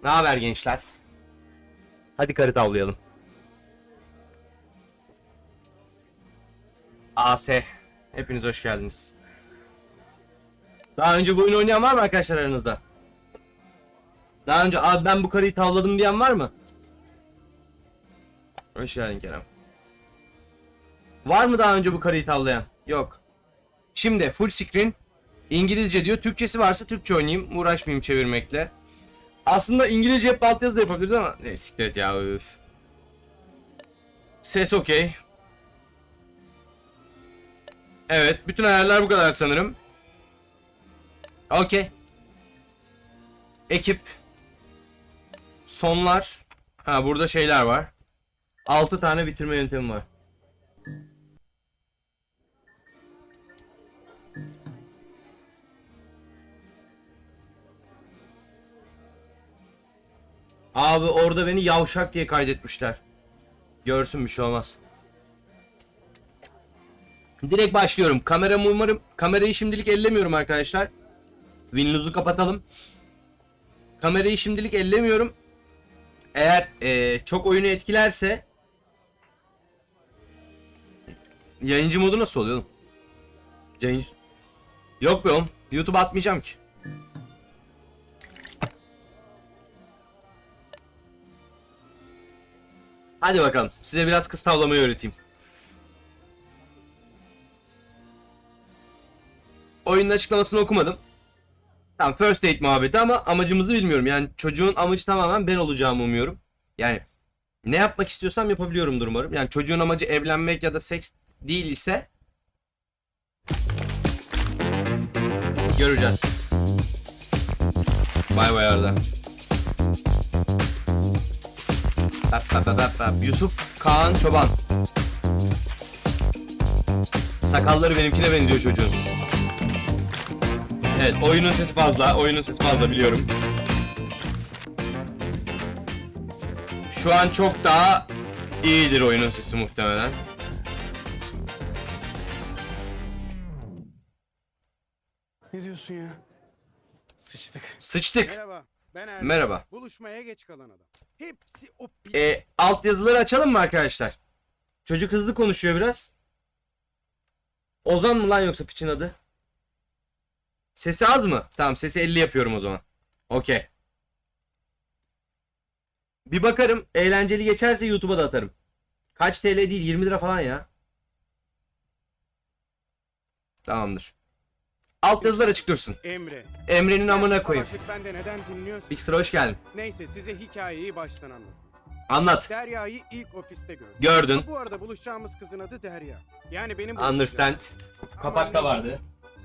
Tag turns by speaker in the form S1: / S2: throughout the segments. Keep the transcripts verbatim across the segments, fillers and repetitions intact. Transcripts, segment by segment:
S1: Ne haber gençler? Hadi karı tavlayalım. A S. Hepiniz hoş geldiniz. Daha önce bu oyunu oynayan var mı arkadaşlar aranızda? Daha önce abi ben bu karıyı tavladım diyen var mı? Hoş geldin Kerem. Var mı daha önce bu karıyı tavlayan? Yok. Şimdi full screen İngilizce diyor. Türkçesi varsa Türkçe oynayayım. Uğraşmayayım çevirmekle. Aslında İngilizce hep altyazı da yapabiliriz ama ne siklet ya. Üf. Ses okey. Evet, bütün ayarlar bu kadar sanırım. Okey. Ekip. Sonlar. Ha, burada şeyler var. altı tane bitirme yöntemi var. Abi orada beni yavşak diye kaydetmişler. Görsün, bir şey olmaz. Direkt başlıyorum. Kameramı umarım kamerayı şimdilik ellemiyorum arkadaşlar. Windows'u kapatalım. Kamerayı şimdilik ellemiyorum. Eğer ee, çok oyunu etkilerse yayıncı modu nasıl oluyor oğlum? Yayıncı... Yok be oğlum. YouTube'a atmayacağım ki. Hadi bakalım. Size biraz kız tavlamayı öğreteyim. Oyunun açıklamasını okumadım. Tamam, first date muhabbeti ama amacımızı bilmiyorum. Yani çocuğun amacı tamamen ben olacağımı umuyorum. Yani ne yapmak istiyorsam yapabiliyorumdur umarım. Yani çocuğun amacı evlenmek ya da seks değil ise göreceğiz. Bay bay Arda. Bap bap bap bap. Yusuf Kaan Çoban. Sakalları benimkine benziyor çocuğun. Evet, oyunun sesi fazla, oyunun sesi fazla biliyorum. Şu an çok daha iyidir oyunun sesi muhtemelen.
S2: Ne diyorsun ya? Sıçtık.
S1: Sıçtık.
S3: Merhaba. Ben Erdem.
S1: Merhaba.
S3: Buluşmaya geç kalan adam. Hepsi o pi...
S1: E, alt yazıları açalım mı arkadaşlar? Çocuk hızlı konuşuyor biraz. Ozan mı lan yoksa piçin adı? Sesi az mı? Tamam, sesi elli yapıyorum o zaman. Okey. Bir bakarım, eğlenceli geçerse YouTube'a da atarım. Kaç T L değil, yirmi lira falan ya. Tamamdır. Alt yazılar açık dursun.
S3: Emre.
S1: Emre'nin amına
S3: Yani
S1: koyayım.
S3: salaklık bende neden dinliyorsun?
S1: Big Sıra hoş geldin.
S3: Neyse, size hikayeyi baştan anlatayım.
S1: Anlat.
S3: Derya'yı ilk ofiste gördüm.
S1: Gördün.
S3: Ha, bu arada buluşacağımız kızın adı Derya. Yani benim...
S1: Understand. Kapakta vardı.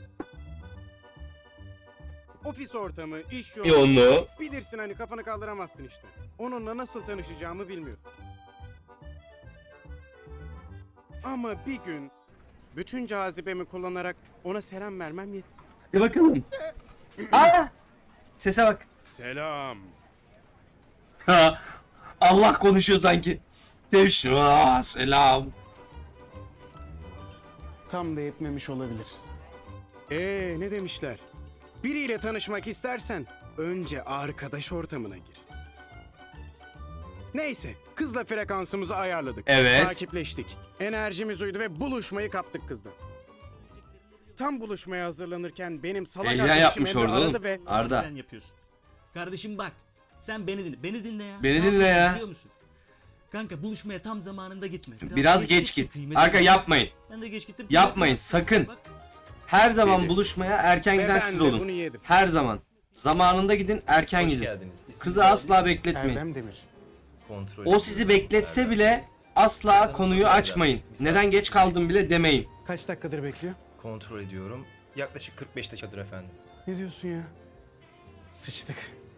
S3: Ofis ortamı, iş yoğunluğu.
S1: Yoğunluğu.
S3: Bilirsin hani, kafanı kaldıramazsın işte. Onunla nasıl tanışacağımı bilmiyorum. Ama bir gün bütün cazibemi kullanarak ona selam vermem yetti.
S1: Hadi bakalım. Aa! Sese bak.
S3: Selam.
S1: Ha, Allah konuşuyor sanki. Teşva selam.
S2: Tam da yetmemiş olabilir.
S3: Ee, ne demişler? Biriyle tanışmak istersen önce arkadaş ortamına gir. Neyse, kızla frekansımızı ayarladık.
S1: Evet.
S3: Takipleştik. Enerjimiz uydu ve buluşmayı kaptık kızla. Tam buluşmaya hazırlanırken benim salak
S1: Heyecan
S3: arkadaşım
S1: yapmış
S3: Emre
S1: orada
S3: aradı
S1: oğlum.
S3: ve...
S1: Arda.
S4: Sen yapıyorsun. Kardeşim bak. Sen beni dinle. Beni dinle ya.
S1: Beni
S4: Ne
S1: dinle
S4: yapıyorsun
S1: ya.
S4: biliyor musun? Kanka buluşmaya tam zamanında gitme.
S1: Biraz geç
S4: gittin,
S1: git.
S4: kıymetini
S1: Arka
S4: bil.
S1: yapmayın.
S4: Ben de geç gittim.
S1: Yapmayın,
S4: kıymetini-
S1: sakın.
S4: Bak,
S1: Her zaman
S3: Dedi.
S1: buluşmaya erken
S3: Ve
S1: giden
S3: ben
S1: siz
S3: de
S1: olun.
S3: bunu yedim.
S1: Her zaman. Zamanında gidin, erken
S5: Hoş
S1: gidin.
S5: geldiniz. İsminizi
S1: Kızı
S5: alayım.
S1: asla bekletmeyin.
S2: Erdem Demir.
S5: Kontrol
S1: O sizi
S5: ediyorum.
S1: bekletse
S5: Erdem.
S1: bile asla
S5: Masanızı
S1: konuyu
S5: alacağım.
S1: açmayın.
S5: Misafir
S1: Neden geç kaldım bile demeyin.
S2: Kaç dakikadır bekliyor?
S5: Kontrol ediyorum. Yaklaşık kırk beş dakikadır efendim.
S2: Ne diyorsun ya? Sıçtık.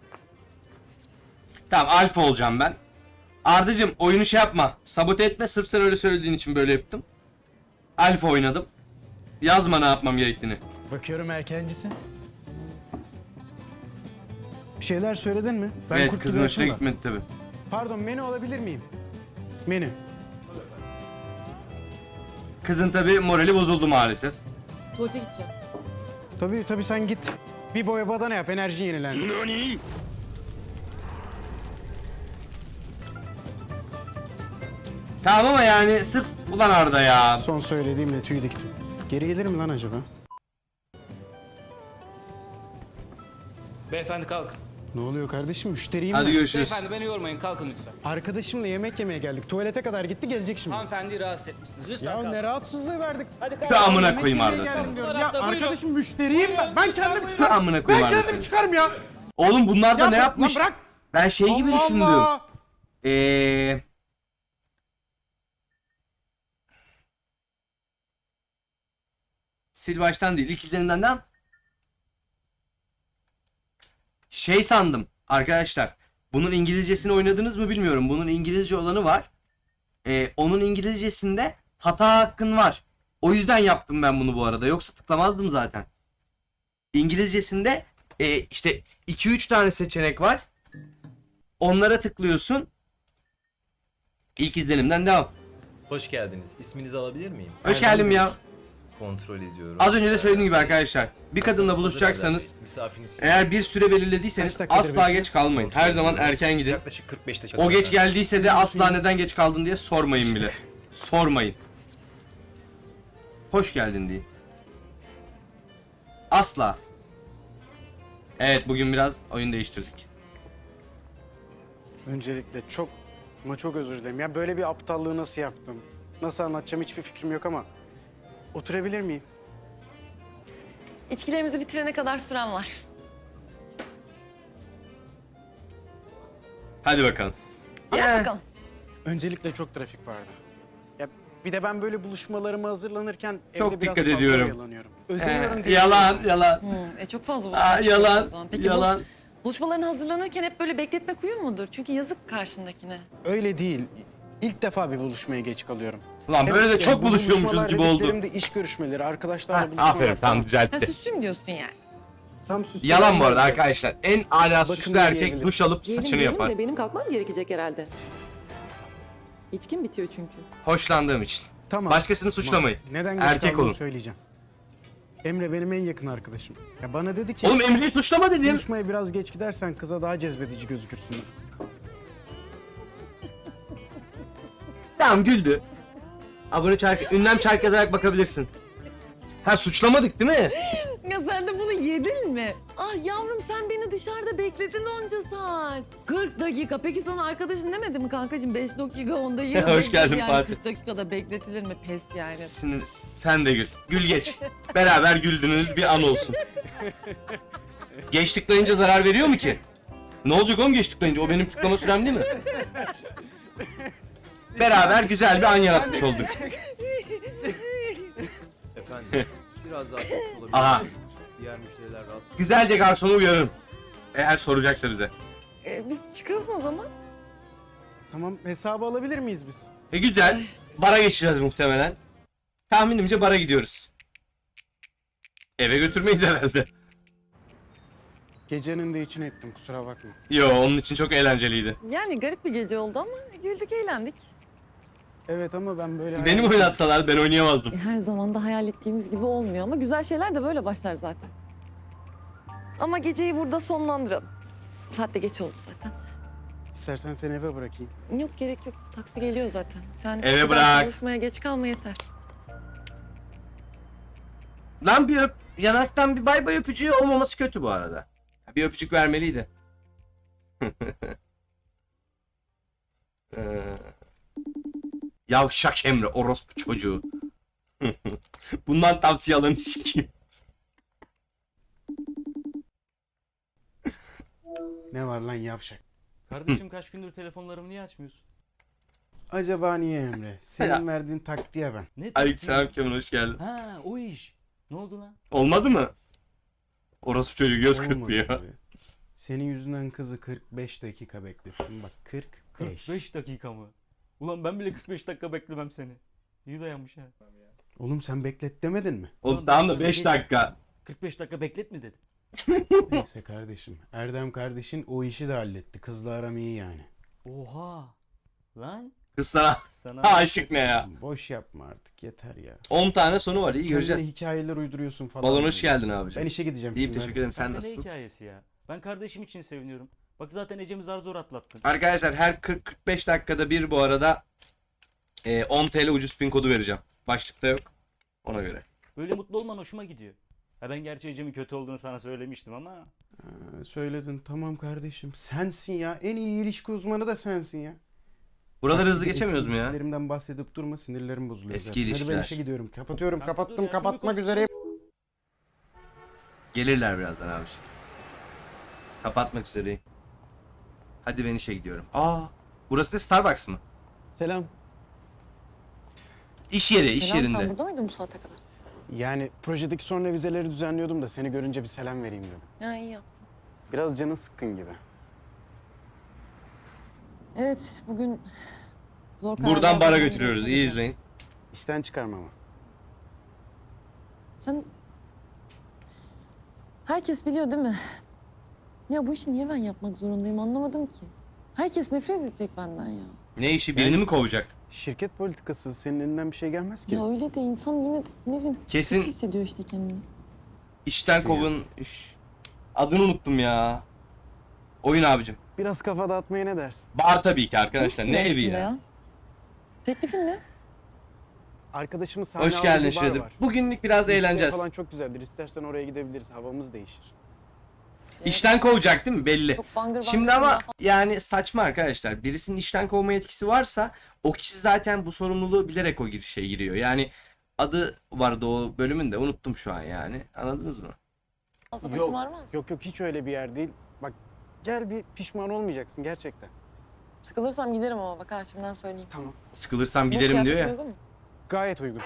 S1: Tamam, alfa olacağım ben. Ardacım oyunu şey yapma. Sabote etme, sırf sen öyle söylediğin için böyle yaptım. Alfa oynadım. Yazma ne yapmam gerektiğini.
S2: Bakıyorum erkencisin. Bir şeyler söyledin mi? Ben
S1: evet,
S2: kurt
S1: kızın
S2: gibi
S1: hoşuna
S2: açım da.
S1: gitmedi tabi.
S2: Pardon, menü alabilir miyim? Menü.
S1: Kızın tabi morali bozuldu maalesef.
S6: Tuvalete gideceğim.
S2: Tabii tabii, sen git. Bir boya badana yap, enerjin yenilensin.
S1: Tamam ama yani sırf ulan Arda ya.
S2: Son söylediğimle tüy diktim. Geri gelir mi lan acaba?
S6: Beyefendi kalkın.
S2: Ne oluyor kardeşim? Müşteriyim
S1: Hadi
S2: ben.
S1: görüşürüz.
S6: Beyefendi beni yormayın, kalkın lütfen.
S2: Arkadaşımla yemek yemeye geldik. Tuvalete kadar gitti, gelecek şimdi.
S6: Hanımefendiyi rahatsız etmişsiniz. Lütfen
S2: Ya
S6: kalkın.
S2: ne rahatsızlığı verdik.
S6: Hadi
S1: Şu
S6: kalkın.
S1: amına
S2: Yemek
S1: koyayım
S2: yemeye
S1: Arda
S2: geldim
S1: seni.
S2: diyorum.
S6: Bu
S2: Ya
S6: tarafta, buyurun.
S2: arkadaşım müşteriyim ben. Ben kendim
S1: Şu
S2: çıkarım.
S1: amına
S2: Ben
S1: koyayım Arda
S2: kendim
S1: seni.
S2: çıkarım ya.
S1: Oğlum bunlar da
S2: Ya
S1: ne
S2: bırak,
S1: yapmış?
S2: lan bırak.
S1: Ben şey gibi
S2: Allah
S1: düşündüm.
S2: Allah.
S1: Eee... Sil baştan değil. İlk izlenimden de şey sandım arkadaşlar. Bunun İngilizcesini oynadınız mı bilmiyorum. Bunun İngilizce olanı var. Ee, onun İngilizcesinde hata hakkın var. O yüzden yaptım ben bunu bu arada. Yoksa tıklamazdım zaten. İngilizcesinde e, işte iki üç tane seçenek var. Onlara tıklıyorsun. İlk izlenimden devam.
S5: Hoş geldiniz. İsminizi alabilir miyim?
S1: Hoş geldin ya.
S5: Kontrol ediyorum.
S1: Az önce de söylediğim gibi arkadaşlar. Bir kadınla
S5: Masanız
S1: buluşacaksanız
S5: hazır Erdem Bey. Misafiriniz
S1: eğer bir süre belirlediyseniz
S2: Kaç dakikadır
S1: asla
S2: bekliyor?
S1: geç kalmayın. Her zaman erken gidin.
S5: yaklaşık kırk beş dakika.
S1: O geç geldiyse de asla neden geç kaldın diye sormayın bile. Sormayın. Hoş geldin diye. Asla. Evet, bugün biraz oyun değiştirdik.
S2: Öncelikle çok ama çok özür dilerim. Ya böyle bir aptallığı nasıl yaptım? Nasıl anlatacağım hiçbir fikrim yok ama oturabilir miyim?
S7: İçkilerimizi bitirene kadar süren var.
S1: Hadi bakalım.
S7: Anlat bakalım.
S2: Öncelikle çok trafik vardı. Ya bir de ben böyle buluşmalarıma hazırlanırken
S1: Çok
S2: evde biraz
S1: dikkat
S2: fazla
S1: ediyorum.
S2: oyalanıyorum. Özeniyorum
S1: Ee,
S2: diye.
S1: yalan, yalan.
S7: Hmm, e çok fazla
S1: Aa,
S7: buluşma çıkıyorsun o
S1: yalan,
S7: zaman. Peki
S1: yalan.
S7: bu buluşmalarına hazırlanırken hep böyle bekletmek uyum mudur? Çünkü yazık karşındakine.
S2: Öyle değil. İlk defa bir buluşmaya geç kalıyorum.
S1: Lan böyle de
S2: Evet,
S1: çok
S2: bu
S1: buluşuyormuşuz
S2: buluşmalar
S1: gibi oldu.
S2: dediklerim de iş görüşmeleri, arkadaşlarla buluşmalar.
S1: Aferin, tamam
S7: Ha
S1: düzeltti.
S7: süslüyüm diyorsun yani.
S2: Tam süslü
S1: Yalan bu arada
S2: yerler.
S1: arkadaşlar. En ala
S2: Bakın
S1: süslü erkek
S2: diyebilirim.
S1: duş alıp
S8: Diyelim,
S1: saçını
S8: diyelim
S1: yapar.
S8: de benim kalkmam gerekecek herhalde. İçkim bitiyor çünkü.
S1: Hoşlandığım için.
S2: Tamam.
S1: Başkasını suçlamayın.
S2: Neden geç
S1: Erkek
S2: kaldığımı
S1: olun.
S2: söyleyeceğim. Emre benim en yakın arkadaşım. Ya bana dedi ki
S1: Oğlum Emre'yi suçlama dedim.
S2: buluşmaya biraz geç gidersen kıza daha cezbedici gözükürsün.
S1: Tamam, güldü. Abone çark, ünlem çark yazarak bakabilirsin. Ha, suçlamadık değil mi?
S7: Ya sen de bunu yedin mi? Ah yavrum sen beni dışarıda bekledin onca saat. kırk dakika. Peki sana arkadaşın demedi mi kankacığım? beş dakika onda yine
S1: Hoş
S7: beklet
S1: geldin
S7: yani.
S1: Fatih.
S7: kırk dakikada bekletilir mi? Pes yani.
S1: Sinir, sen de gül. Gül geç. Beraber güldüğünüz bir an olsun. Geç tıklayınca zarar veriyor mu ki? Ne olacak oğlum geç tıklayınca? O benim tıklama sürem değil mi? Beraber güzel bir an yaratmış olduk.
S5: Efendim biraz daha sesli olabilir.
S1: Aha.
S5: Diğer müşteriler rahatsız.
S1: Güzelce garsonu uyarırım. Eğer soracaksa bize.
S7: Ee, biz çıkalım o zaman.
S2: Tamam hesabı alabilir miyiz biz?
S1: E güzel. Bara geçeceğiz muhtemelen. Tahminimce bara gidiyoruz. Eve götürmeyiz herhalde.
S2: Gecenin de içine ettim kusura bakma.
S1: Yo, onun için çok eğlenceliydi.
S7: Yani garip bir gece oldu ama güldük eğlendik.
S2: Evet ama ben böyle...
S1: Benim oynatsalar ben oynayamazdım.
S7: Her zaman da hayal ettiğimiz gibi olmuyor ama güzel şeyler de böyle başlar zaten. Ama geceyi burada sonlandıralım. Saat de geç oldu zaten.
S2: İstersen seni eve bırakayım.
S7: Yok gerek yok. Taksi geliyor zaten. Sen
S1: Eve
S7: kapıdan
S1: bırak.
S7: Buluşmaya geç kalma yeter.
S1: Lan bir öp, yanaktan bir bay bay öpücüğü olmaması kötü bu arada. Bir öpücük vermeliydi. Ee, Yavşak Emre, orospu çocuğu. Bundan tavsiye alanı sikeyim.
S2: Ne var lan yavşak?
S4: Kardeşim kaç gündür telefonlarımı niye açmıyorsun?
S2: Acaba niye Emre? Senin
S1: Ya.
S2: verdiğin taktiğe ben.
S4: Ne
S1: Aleykümselam Kemal, hoş geldin.
S4: Ha o iş. Ne oldu lan?
S1: Olmadı mı? Orospu çocuğu göz
S2: Olmadı
S1: kırpıyor.
S2: tabii. Senin yüzünden kızı kırk beş dakika beklettim. Bak kırk beş.
S4: kırk beş dakika mı? Ulan ben bile kırk beş dakika beklemem seni. İyi dayanmış ha.
S2: Oğlum sen beklet demedin mi?
S1: Oğlum
S4: Ulan
S1: tamam
S4: ben
S1: da
S4: sana
S1: beş
S4: dedim.
S1: dakika.
S4: kırk beş dakika beklet mi dedim.
S2: Neyse kardeşim. Erdem kardeşin o işi de halletti. Kızla aram iyi yani.
S4: Oha. Lan
S1: Kız sana
S4: sana
S1: aşık ne ya?
S2: Boş yapma artık yeter ya.
S1: on tane sonu var, iyi
S2: Kendine
S1: göreceğiz.
S2: hikayeler uyduruyorsun falan.
S1: Balon hoş geldin abicim.
S2: Ben işe gideceğim
S1: İyiyim,
S2: şimdi.
S1: teşekkür
S2: hadi.
S1: ederim. Sen
S4: Kanka ne
S1: nasılsın?
S4: hikayesi ya? Ben kardeşim için seviniyorum. Bak zaten Ecem'i zar zor atlattın.
S1: Arkadaşlar her kırk kırk beş dakikada bir bu arada Ee, on T L ucuz pin kodu vereceğim. Başlıkta yok. Ona göre.
S4: Böyle mutlu olman hoşuma gidiyor. Ha ben gerçi Ecem'in kötü olduğunu sana söylemiştim ama.
S3: Ha, söyledin tamam kardeşim. Sensin ya. En iyi ilişki uzmanı da sensin ya.
S1: Buraları
S3: Bak,
S1: hızlı
S3: bir de
S1: geçemiyoruz
S3: eski
S1: mu ya?
S3: ilişkilerimden bahsedip durma, sinirlerim bozuluyor.
S1: Eski
S3: zaten. Hadi
S1: ilişkiler.
S3: ben işe gidiyorum. Kapatıyorum.
S4: Kanka
S3: Kapattım.
S4: dur ya, şunu
S3: kapatmak
S4: bir
S3: üzereyim.
S1: Gelirler birazdan abi. Kapatmak üzereyim. Hadi ben işe gidiyorum. Aa, burası da Starbucks mı?
S2: Selam.
S1: İş yeri, iş
S8: Selam,
S1: yerinde.
S8: sen burada mıydın bu saate kadar?
S2: Yani projedeki son revizeleri düzenliyordum da seni görünce bir selam vereyim dedim.
S8: Ya iyi yaptın.
S2: Biraz canın sıkkın gibi.
S7: Evet bugün zor
S1: Buradan
S7: kararlar
S1: bara
S7: vermem
S1: götürüyoruz.
S7: gerekiyor.
S1: İyi izleyin.
S2: İşten çıkarmama.
S7: Sen... Herkes biliyor değil mi? Ya bu işi niye ben yapmak zorundayım anlamadım ki. Herkes nefret edecek benden ya.
S1: Ne işi? Birini mi kovacak?
S2: Şirket politikası senin elinden bir şey gelmez ki.
S7: Ya öyle de insan yine de ne bileyim
S1: Kesin
S7: kötü hissediyor işte kendini.
S1: işten kovun. Üş. Adını unuttum ya. Oyun abicim.
S2: Biraz kafa dağıtmaya ne dersin?
S1: Bar tabii ki arkadaşlar. Ne evi
S7: aslında
S1: ya?
S7: Teklifin ne?
S2: Arkadaşımın sahne
S1: Hoş
S2: aldığı
S1: geldin
S2: bir bar
S1: Shredder.
S2: var.
S1: Bugünlük biraz
S2: Müzikleri
S1: eğleneceğiz.
S2: falan çok güzeldir. İstersen oraya gidebiliriz. Havamız değişir.
S1: İşten kovacak değil mi? Belli.
S7: Çok bangır bangır
S1: Şimdi ama
S7: falan.
S1: yani saçma arkadaşlar. Birisinin işten kovma yetkisi varsa o kişi zaten bu sorumluluğu bilerek o girişe giriyor. Yani adı vardı o bölümün de unuttum şu an yani. Anladınız mı?
S7: Fazla
S2: Yok.
S7: başım ağrımaz.
S2: Yok yok hiç öyle bir yer değil. Bak gel bir pişman olmayacaksın gerçekten.
S7: Sıkılırsam giderim ama bak ha şimdiden söyleyeyim.
S2: Tamam.
S1: Sıkılırsam
S7: Bu
S1: giderim diyor
S7: kıyafet
S1: ya.
S7: uygun mu?
S2: Gayet uygun.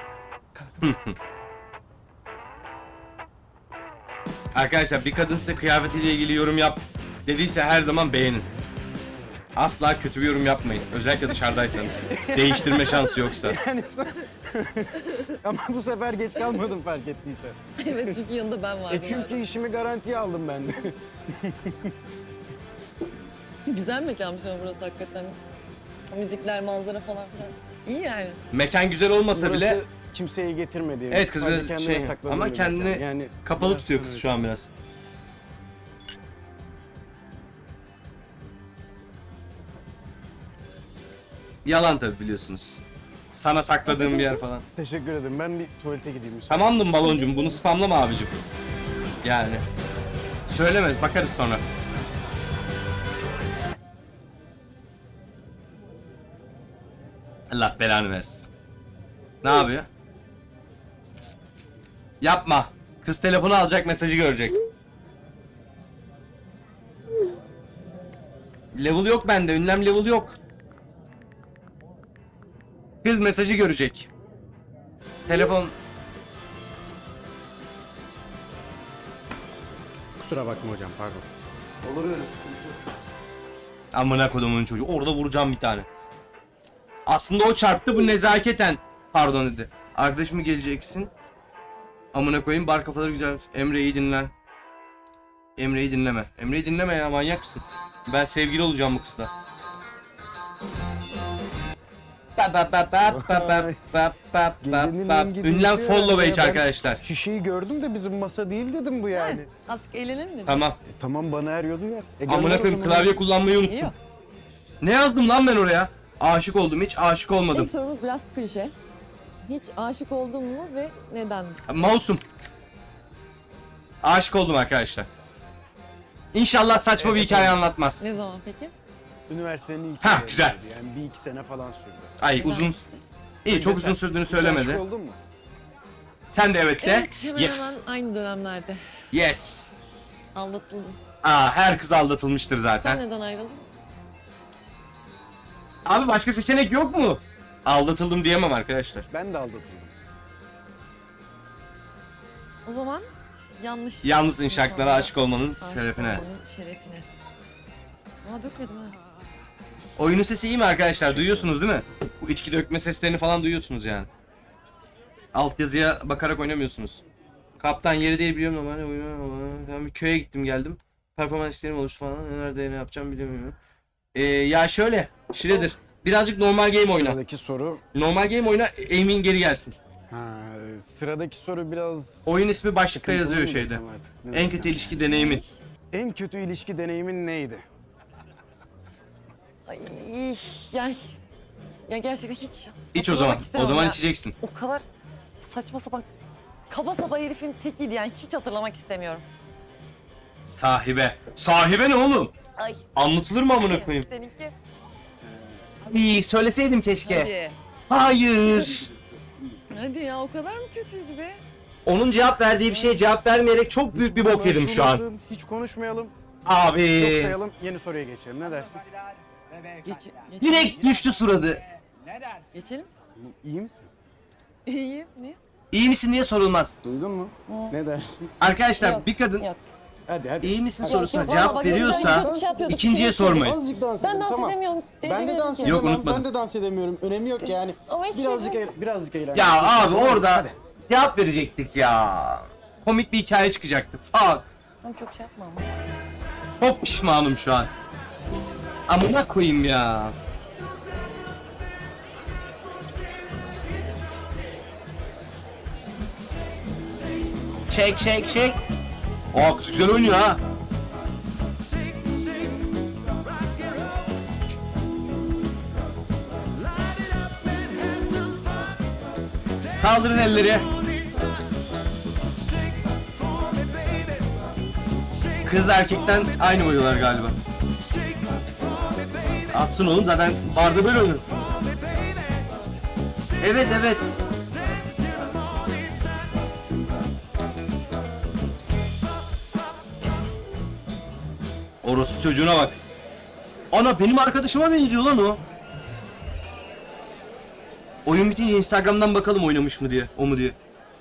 S1: Arkadaşlar bir kadın size kıyafetiyle ilgili yorum yap dediyse her zaman beğenin. Asla kötü bir yorum yapmayın. Özellikle dışarıdaysanız. Değiştirme şansı yoksa.
S2: Yani sen... Ama bu sefer geç kalmadım fark ettiysen.
S7: Evet çünkü yanında ben vardım.
S2: E çünkü işimi garantiye aldım ben de.
S7: Güzel mekanmış ama burası hakikaten. Müzikler, manzara falan filan. İyi yani.
S1: Mekan güzel olmasa
S2: Burası
S1: bile
S2: kimseyi getirmedi.
S1: Evet, kız
S2: Sadece
S1: biraz
S2: kendine
S1: şey,
S2: sakladığı
S1: ama
S2: bir mekan.
S1: kendini
S2: yani
S1: kapalı
S2: biraz
S1: tutuyor
S2: sana
S1: kız şu an biraz. Yalan tabi biliyorsunuz. Sana sakladığım bir yer falan.
S2: Teşekkür ederim. Ben bir tuvalete gideyim. müsaade.
S1: Tamamdım baloncum, bunu spamlama abicim. Yani. Söylemez, bakarız sonra. Allah belanı versin. Ne yapıyor? Yapma. Kız telefonu alacak, mesajı görecek. Level yok bende, ünlem level yok. Kız mesajı görecek. Telefon...
S2: Kusura bakma hocam pardon.
S1: Amına kodumun çocuğu. Orada vuracağım bir tane. Aslında o çarptı, bu nezaketen pardon dedi. Arkadaşım mı geleceksin? Amına koyayım, bar kafaları güzel. Emre'yi dinlen. Emre'yi dinleme. Emre'yi dinleme ya, manyak mısın? Ben sevgili olacağım bu kızla. Ba ba ba ba ba ba ba ba ba
S2: Gecenin
S1: ba.
S2: en gidişi
S1: Ünlem follow
S2: herhalde
S1: page
S2: ya. Ben
S1: arkadaşlar.
S2: Şişeyi gördüm de bizim masa değil dedim bu yani.
S7: Evet. Azıcık eğlenelim dedim.
S1: Tamam.
S2: E, tamam bana er yolu yer. E, gönder
S1: Amına
S2: o
S1: koyayım,
S2: zaman.
S1: klavye kullanmayı unuttum.
S7: Geliyor.
S1: Ne yazdım lan ben oraya? Aşık oldum, hiç aşık olmadım.
S7: İlk sorumuz biraz klişe. Hiç aşık oldun mu ve neden?
S1: Mouse'um. Aşık oldum arkadaşlar. İnşallah saçma bir hikaye anlatmaz.
S7: Ne zaman peki?
S2: Üniversitenin ilk
S1: Ha,
S2: yıllarıydı.
S1: güzel.
S2: Yani bir iki sene falan sürdü.
S1: Ay
S7: Neden?
S1: uzun... İyi, çok uzun sürdüğünü
S2: Hiç aşık
S1: söylemedi.
S2: oldun mu?
S1: Sen de evet de.
S7: Evet hemen
S1: Yes.
S7: hemen aynı dönemlerde.
S1: Yes.
S7: Aldatıldım.
S1: Aa, her kız aldatılmıştır
S7: Sen
S1: zaten.
S7: neden ayrıldın?
S1: Abi başka seçenek yok mu? Aldatıldım diyemem arkadaşlar.
S2: Ben de aldatıldım.
S7: O zaman yanlış.
S1: Yalnız inşaatlara
S7: insanlara
S1: aşık olmanız
S7: aşık
S1: şerefine.
S7: olmanın şerefine. Aa dökmedim ha.
S1: Oyunun sesi iyi mi arkadaşlar? Duyuyorsunuz değil mi? Bu içki dökme seslerini falan duyuyorsunuz yani. Altyazıya bakarak oynamıyorsunuz. Kaptan yeri değil biliyorum ama hani oyun- ben bir köye gittim geldim. Performans işlerim oluştu falan. Nerede ne yapacağım bilmiyorum. Ee, ya şöyle, Shredder. Birazcık normal game oyna.
S2: Sıradaki soru.
S1: Normal game oyna, aim'in geri gelsin.
S2: Ha, sıradaki soru biraz...
S1: Oyun ismi başlıkta
S2: sıkıntılı
S1: yazıyor
S2: mı
S1: şeyde.
S2: desem artık, ne
S1: En
S2: desem?
S1: kötü ilişki deneyimin.
S2: En kötü ilişki deneyimin neydi?
S7: Ay yani Ya gerçekten hiç.
S1: İç o
S7: hatırlamak
S1: zaman. O
S7: istemem
S1: zaman
S7: ya.
S1: içeceksin.
S7: O kadar saçma sapan kaba saba herifin tekiydi yani hiç hatırlamak istemiyorum.
S1: Sahibe. Sahibe ne oğlum?
S7: Ay.
S1: Anlatılır mı amına koyayım?
S7: Seninki.
S1: İyi söyleseydim keşke.
S7: Hadi.
S1: Hayır.
S7: Hadi ya o kadar mı kötüydü be?
S1: Onun cevap verdiği bir şeye cevap vermeyerek çok büyük bir bok yedim şu an.
S2: Açılmasın, hiç konuşmayalım. Yok
S1: Abi.
S2: sayalım, yeni soruya geçelim. Ne dersin?
S7: Geç, geç,
S1: Direkt düştü suradı.
S7: geçelim.
S2: İyi misin?
S7: İyiyim. Niye?
S1: İyi misin diye sorulmaz.
S2: Duydun mu? Ne dersin?
S1: Arkadaşlar
S7: Yok,
S1: bir kadın
S7: yok.
S2: Hadi hadi.
S1: iyi misin
S2: Hadi.
S1: sorusuna
S7: yok,
S1: cevap
S7: valla bak,
S1: veriyorsa
S7: çok şey yapıyorduk,
S1: ikinciye
S7: şey
S1: sormayın.
S2: Azıcık dans
S7: Ben
S2: edelim,
S7: dans
S2: tamam.
S7: edemiyorum.
S2: Ben de dans
S7: Yok,
S2: edemem.
S1: unutmadım.
S2: Ben de dans edemiyorum. Önemi yok yani.
S7: Ama hiç
S2: Birazcık
S7: şey
S2: eğlen, birazcık eğlen.
S1: Ya abi orada
S2: Hadi.
S1: cevap verecektik ya. Komik bir hikaye çıkacaktı. Fuck.
S7: Ben çok şey yapmam.
S1: Çok pişmanım şu an. Amına koyayım ya. Çek çek çek. Aa kız güzel oynuyor ha. Kaldırın elleri. Kız erkekten aynı boyuyorlar galiba. Atsın oğlum zaten barda böyle oynar. Evet evet. Orospu çocuğuna bak. Ana benim arkadaşıma benziyor lan o. Oyun bitince Instagram'dan bakalım oynamış mı diye, o mu diye.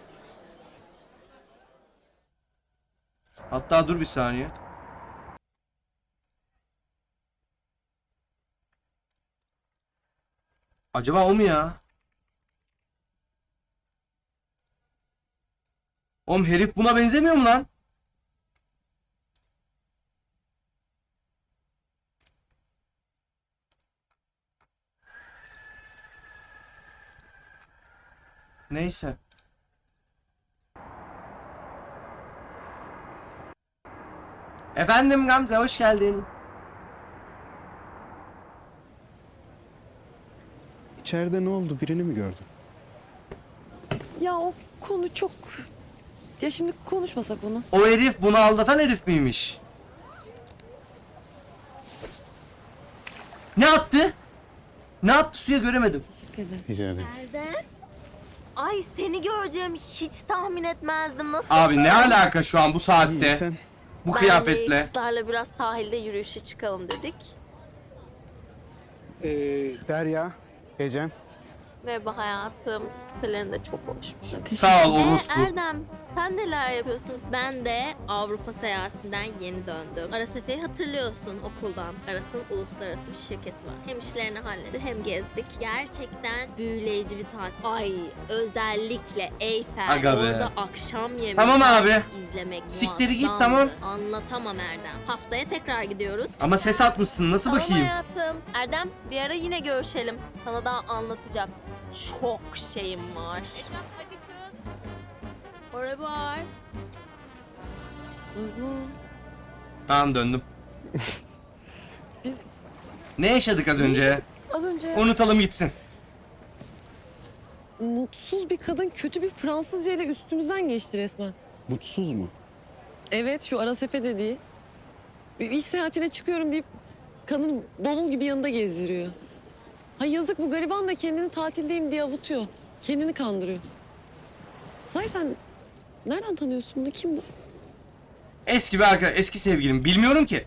S1: Hatta dur bir saniye. Acaba o mu ya? Oğlum herif buna benzemiyor mu lan? Neyse. Efendim Gamze hoş geldin.
S2: İçeride ne oldu? Birini mi gördün?
S7: Ya o konu çok... Ya şimdi konuşmasak bunu.
S1: O herif bunu aldatan herif miymiş? Ne attı? Ne attı suya göremedim.
S7: Teşekkür ederim.
S2: Rica ederim.
S9: Erdem. Ay seni göreceğimi hiç tahmin etmezdim. Nasıl?
S1: Abi ne alaka şu an bu
S2: İyi
S1: saatte?
S2: sen.
S1: Bu
S9: Ben
S1: kıyafetle.
S9: de kızlarla biraz sahilde yürüyüşe çıkalım dedik.
S2: Ee, Derya, Ecem.
S9: Merhaba hayatım. Küpelerin de çok hoşmuş.
S1: Sağ ol
S9: Ee,
S1: orospu.
S9: Erdem sen neler yapıyorsun? Ben de Avrupa seyahatinden yeni döndüm. Arasefe'yi hatırlıyorsun okuldan. Aras'ın uluslararası bir şirketi var. Hem işlerini halletti hem gezdik. Gerçekten büyüleyici bir tatil. Ay özellikle Eyfel.
S1: Aga be.
S9: Orada akşam yemeği
S1: Tamam abi.
S9: izlemek
S1: Siktiri git,
S9: muazzamdı.
S1: tamam.
S9: Anlatamam Erdem. Haftaya tekrar gidiyoruz.
S1: Ama ses atmışsın nasıl
S9: Tamam
S1: bakayım?
S9: hayatım. Erdem bir ara yine görüşelim. Sana daha anlatacak çok şeyim var. Hadi kız. Oraya var.
S1: Tamam döndüm.
S7: Biz-
S1: Ne yaşadık az önce?
S7: Az önce
S1: Unutalım gitsin.
S7: mutsuz bir kadın kötü bir Fransızca ile üstümüzden geçti resmen.
S2: Mutsuz mu?
S7: Evet şu Arasefe dediği. Bir iş seyahatine çıkıyorum deyip kadın bavul gibi yanında gezdiriyor. Ha yazık bu gariban da kendini tatildeyim diye avutuyor. Kendini kandırıyor. Say sen nereden tanıyorsun bunu? Kim bu?
S1: Eski bir arkadaş, eski sevgilim. Bilmiyorum ki.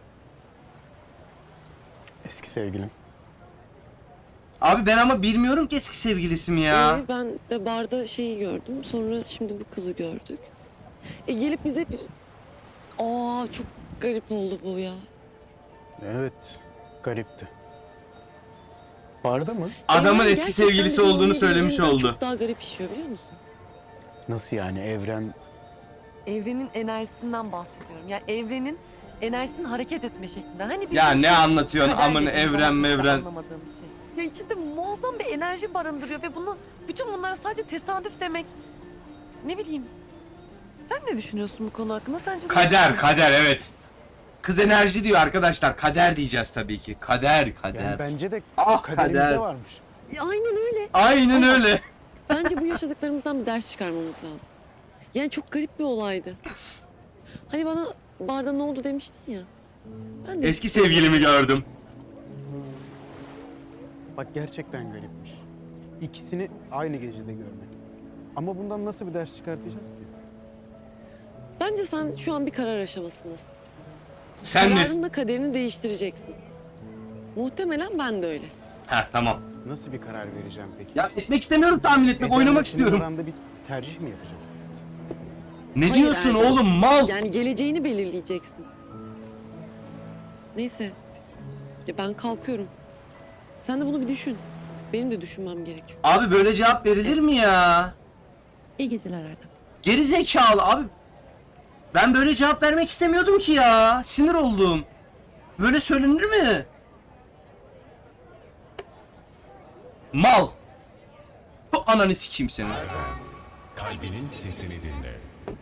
S2: Eski sevgilim.
S1: Abi ben ama bilmiyorum ki eski sevgilisi mi ya.
S7: Ee, ben de barda şeyi gördüm. Sonra şimdi bu kızı gördük. E gelip bize bir... Aa çok garip oldu bu ya.
S2: Evet, garipti. Barda mı?
S1: Adamın
S7: Evren
S1: eski
S7: gerçekten
S1: sevgilisi olduğunu
S7: bildiğin
S1: söylemiş
S7: birinden
S1: oldu.
S7: Çok daha garip işiyor biliyor musun?
S2: Nasıl yani evren?
S7: Evrenin enerjisinden bahsediyorum. Yani evrenin enerjisinin hareket etme şeklinden. Hani
S1: Ya ne anlatıyorsun
S7: kader
S1: amın
S7: dediğimiz
S1: evren
S7: ama biz de
S1: mevren.
S7: anlamadığımız şey. Ya içinde muazzam bir enerji barındırıyor ve bunu bütün bunlara sadece tesadüf demek. Ne bileyim. Sen ne düşünüyorsun bu konu hakkında? Sence ne
S1: Kader
S7: düşünüyorsun?
S1: kader evet. Kız enerji diyor arkadaşlar. Kader diyeceğiz tabii ki. Kader kader.
S2: Yani bence de
S1: Ah
S2: kaderimizde
S1: kader.
S2: varmış.
S7: Ya aynen öyle.
S1: Aynen
S7: Ama-
S1: öyle.
S7: Bence bu yaşadıklarımızdan bir ders çıkarmamız lazım. Yani çok garip bir olaydı. Hani bana barda ne oldu demiştin ya. Ben de
S1: Eski sevgilimi gördüm.
S2: Bak gerçekten garipmiş. İkisini aynı gecede görmek. Ama bundan nasıl bir ders çıkartacağız ki?
S7: Bence sen şu an bir karar aşamasındasın.
S1: Sen ne?
S7: Kararınla kaderini değiştireceksin. Muhtemelen ben de öyle.
S1: Ha tamam.
S2: Nasıl bir karar vereceğim peki?
S1: Ya etmek istemiyorum, tahmin etmek,
S2: Ece'nin
S1: oynamak
S2: senin
S1: istiyorum.
S2: aranda bir tercih mi yapacağım?
S1: Ne
S7: Hayır,
S1: diyorsun
S7: Erdem.
S1: oğlum, mal?
S7: Yani geleceğini belirleyeceksin. Neyse. Ya ben kalkıyorum. Sen de bunu bir düşün. Benim de düşünmem gerekiyor.
S1: Abi böyle cevap verilir mi ya?
S7: İyi geceler Erdem.
S1: Geri zekalı abi. Ben böyle cevap vermek istemiyordum ki ya. Sinir oldum. Böyle söylenir mi? Mal. Bu ananı sikeyim seni.
S10: Kalbinin sesini dinle.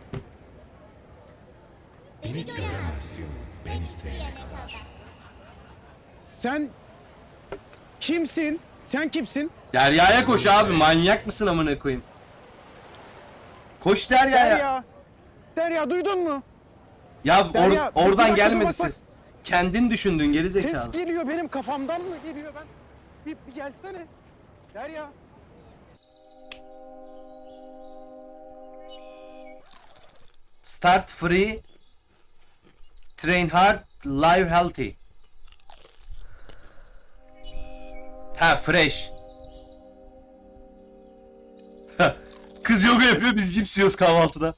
S10: Beni göremezsin, ben isteyene kadar.
S2: Sen kimsin? Sen kimsin?
S1: Derya'ya koş abi, manyak mısın amına koyayım? Koş Derya'ya.
S2: Derya. Derya duydun mu?
S1: Ya or-
S2: Derya, bir- bir
S1: oradan
S2: dakika,
S1: gelmedi
S2: dur, bak, bak.
S1: ses. Kendin düşündün geri
S2: Ses
S1: zekalı.
S2: geliyor benim kafamdan mı geliyor ben? Bir, bir gelsene. Derya.
S1: Start free. Train hard, live healthy. Ha fresh. Kız yoga yapıyor, biz cips yiyoruz kahvaltıda.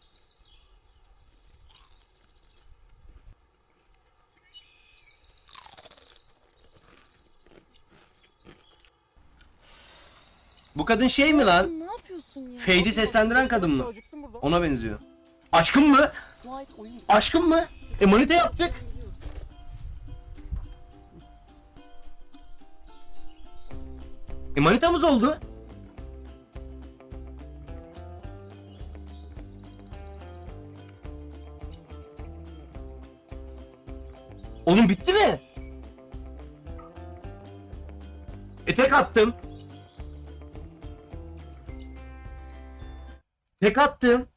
S1: Bu kadın şey mi lan?
S8: Ne yapıyorsun ya?
S1: Fade'i seslendiren kadın mı?
S2: Acıktım burada.
S1: Ona benziyor. Aşkım mı? Aşkım mı? E manita yaptık. E manitamız oldu. Oğlum bitti mi? E tek attım. Tek attım.